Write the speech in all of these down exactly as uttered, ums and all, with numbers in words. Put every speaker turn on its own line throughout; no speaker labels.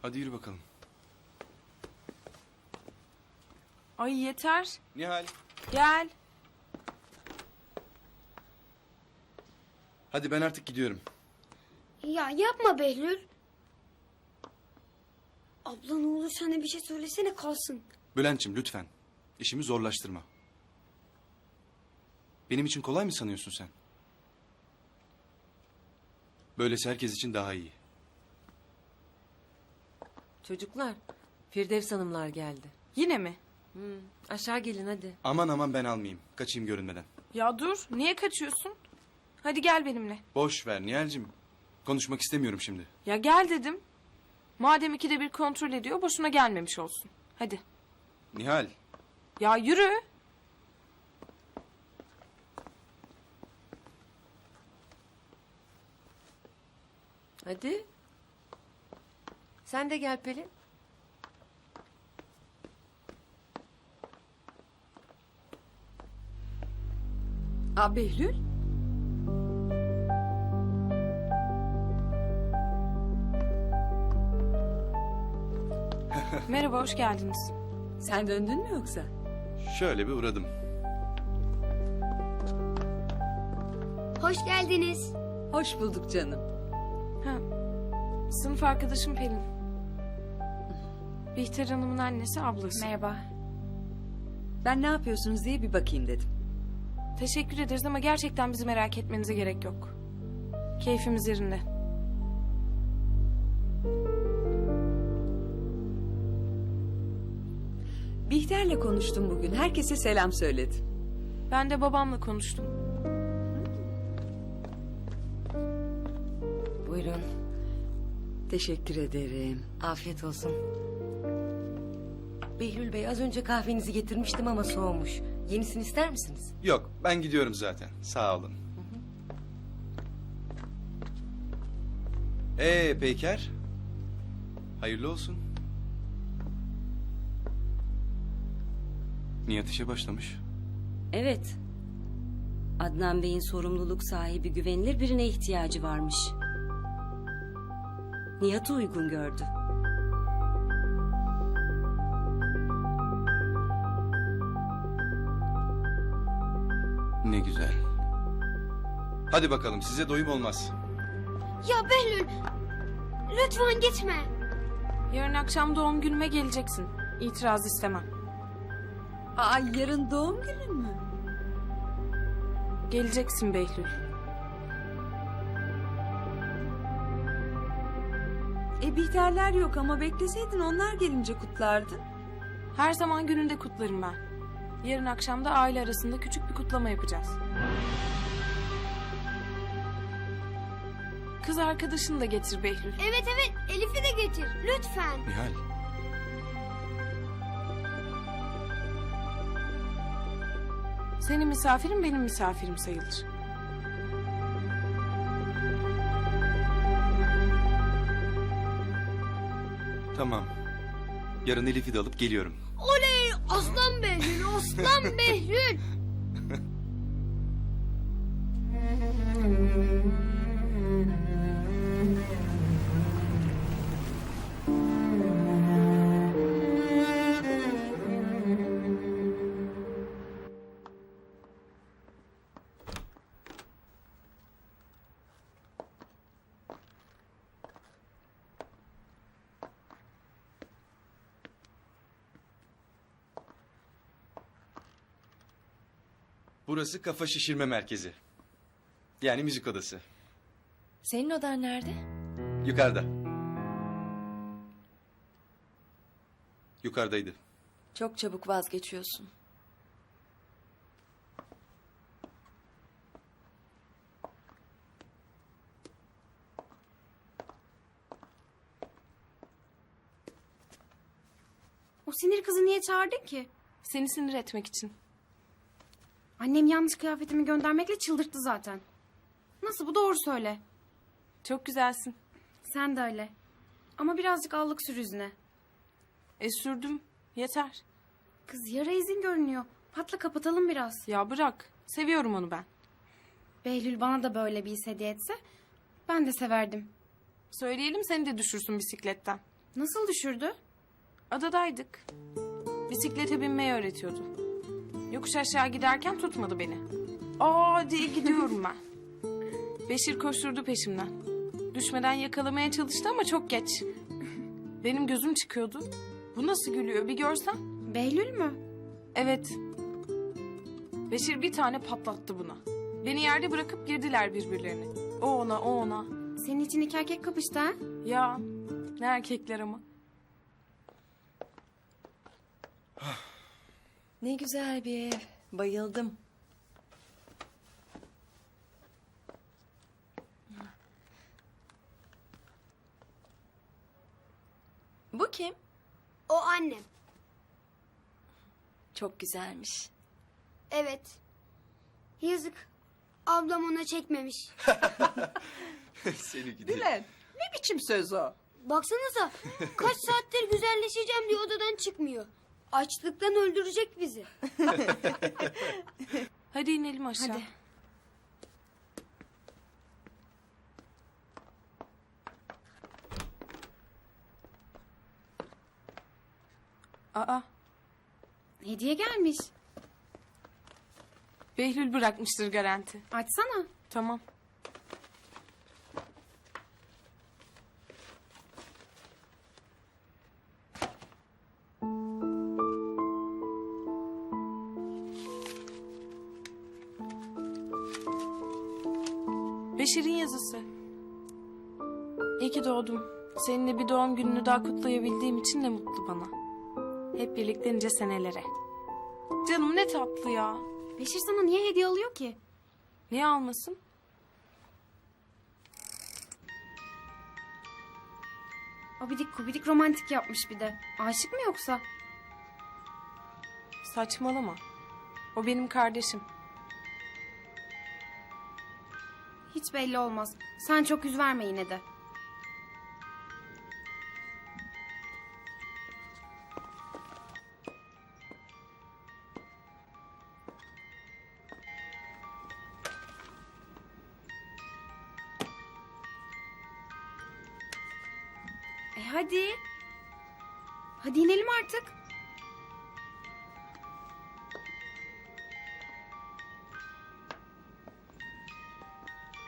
Hadi yürü bakalım.
Ay yeter.
Nihal.
Gel.
Hadi ben artık gidiyorum.
Ya yapma Behlül. Abla ne olur sen de bir şey söylesene kalsın.
Bülent'ciğim lütfen. İşimi zorlaştırma. Benim için kolay mı sanıyorsun sen? Böylesi herkes için daha iyi.
Çocuklar, Firdevs Hanımlar geldi.
Yine mi?
Hmm, aşağı gelin hadi.
Aman aman ben almayayım. Kaçayım görünmeden.
Ya dur. Niye kaçıyorsun? Hadi gel benimle.
Boş ver Nihal'cim. Konuşmak istemiyorum şimdi.
Ya gel dedim. Madem ikide bir kontrol ediyor boşuna gelmemiş olsun. Hadi.
Nihal.
Ya yürü.
Hadi. Sen de gel Pelin.
Aa Behlül?
Merhaba, hoş geldiniz.
Sen döndün mü yoksa?
Şöyle bir uğradım.
Hoş geldiniz.
Hoş bulduk canım.
Ha, sınıf arkadaşım Pelin. Bihter Hanım'ın annesi, ablası.
Merhaba. Ben ne yapıyorsunuz diye bir bakayım dedim.
Teşekkür ederiz ama gerçekten bizi merak etmenize gerek yok. Keyfimiz yerinde.
Bihter'le konuştum bugün. Herkese selam söyledi.
Ben de babamla konuştum.
Buyurun.
Teşekkür ederim.
Afiyet olsun. Behlül Bey, az önce kahvenizi getirmiştim ama soğumuş. Yenisini ister misiniz?
Yok ben gidiyorum zaten. Sağ olun. Ee Peyker. Hayırlı olsun. Nihat işe başlamış.
Evet. Adnan Bey'in sorumluluk sahibi güvenilir birine ihtiyacı varmış. Nihat'ı uygun gördü.
Ne güzel. Hadi bakalım size doyum olmaz.
Ya Behlül lütfen gitme.
Yarın akşam doğum günüme geleceksin. İtiraz istemem.
Aa yarın doğum günün mü?
Geleceksin Behlül.
E Bihterler yok ama bekleseydin onlar gelince kutlardın.
Her zaman gününde kutlarım ben. Yarın akşam da aile arasında küçük bir kutlama yapacağız. Kız arkadaşını da getir Behlül.
Evet evet Elif'i de getir lütfen.
Nihal.
Senin misafirin benim misafirim sayılır.
Tamam. Yarın Elif'i de alıp geliyorum.
Oley aslan Behlül aslan Behlül.
Burası kafa şişirme merkezi. Yani müzik odası.
Senin odan nerede?
Yukarıda. Yukarıdaydı.
Çok çabuk vazgeçiyorsun.
O sinir kızı niye çağırdın ki?
Seni sinir etmek için.
Annem yanlış kıyafetimi göndermekle çıldırttı zaten. Nasıl bu doğru söyle.
Çok güzelsin.
Sen de öyle. Ama birazcık allık sür yüzüne.
E sürdüm. Yeter.
Kız yara izin görünüyor. Patla kapatalım biraz.
Ya bırak. Seviyorum onu ben.
Behlül bana da böyle bir his hediye etse ben de severdim.
Söyleyelim seni de düşürsün bisikletten.
Nasıl düşürdü?
Adadaydık. Bisiklete binmeyi öğretiyordu. Yokuş aşağı giderken tutmadı beni. Aa diye gidiyorum ben. Beşir koşturdu peşimden. Düşmeden yakalamaya çalıştı ama çok geç. Benim gözüm çıkıyordu. Bu nasıl gülüyor bir görsen.
Behlül mü?
Evet. Beşir bir tane patlattı buna. Beni yerde bırakıp girdiler birbirlerine. O ona, o ona.
Senin için iki erkek kapıştı ha?
Ya ne erkekler ama.
Ne güzel bir ev. Bayıldım. Bu kim?
O annem.
Çok güzelmiş.
Evet. Yazık. Ablam ona çekmemiş.
Seni gidi.
Bülent, ne biçim söz o?
Baksanıza. Kaç saattir güzelleşeceğim diye odadan çıkmıyor. Açlıktan öldürecek bizi.
Hadi inelim aşağı.
Hadi.
Aa,
Hediye gelmiş.
Behlül bırakmıştır garanti.
Açsana.
Tamam. Beşir'in yazısı. İyi ki doğdum. Seninle bir doğum gününü daha kutlayabildiğim için ne mutlu bana. Hep birlikte nice senelere. Canım ne tatlı ya.
Beşir sana niye hediye alıyor ki?
Niye almasın?
Abidik kubidik romantik yapmış bir de. Aşık mı yoksa?
Saçmalama. O benim kardeşim.
Hiç belli olmaz. Sen çok yüz verme yine de. E hadi. Hadi inelim artık.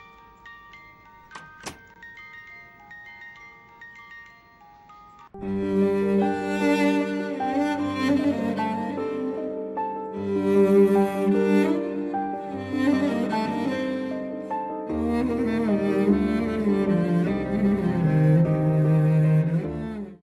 Müzik